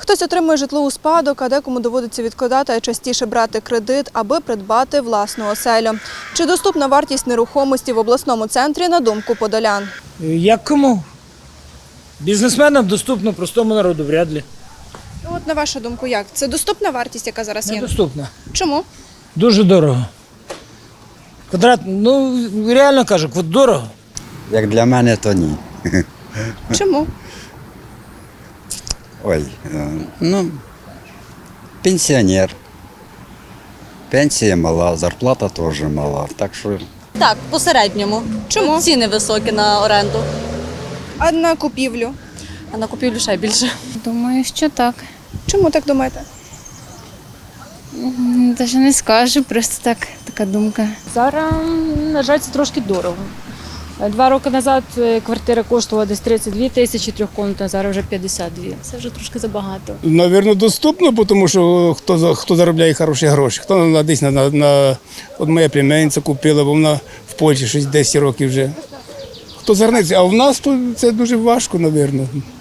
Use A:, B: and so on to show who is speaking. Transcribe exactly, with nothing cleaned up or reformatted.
A: Хтось отримує житло у спадок, а декому доводиться відкладати, а частіше брати кредит, аби придбати власну оселю. Чи доступна вартість нерухомості в обласному центрі, на думку подолян?
B: Як кому? Бізнесменам доступно, простому народу вряд ли.
A: От на вашу думку, як? Це доступна вартість, яка зараз є?
B: Недоступно.
A: Чому?
B: Дуже дорого. Квадрат, ну реально кажу, квад- дорого.
C: Як для мене, то ні.
A: Чому?
C: Ой, е, ну, пенсіонер. Пенсія мала, зарплата теж мала. Так що
D: Так, по середньому.
A: Чому?
D: Ціни високі на оренду,
A: А на купівлю?
D: а на купівлю ще більше.
E: Думаю, що так.
A: Чому так думаєте?
E: Навіть не скажу, просто так, така думка.
F: Зараз, на жаль, це трошки дорого. Два роки назад квартира коштувала десь тридцять дві тисячі трьохкомнатна, зараз вже п'ятдесят дві. Це вже трошки забагато.
G: Навірно, доступно, тому що хто, за- хто заробляє хороші гроші. Хто на, десь на, на, на... От моя племянниця купила, бо вона в Польщі щось десять років вже. Хто звернеться, а в нас тут це дуже важко, навірно.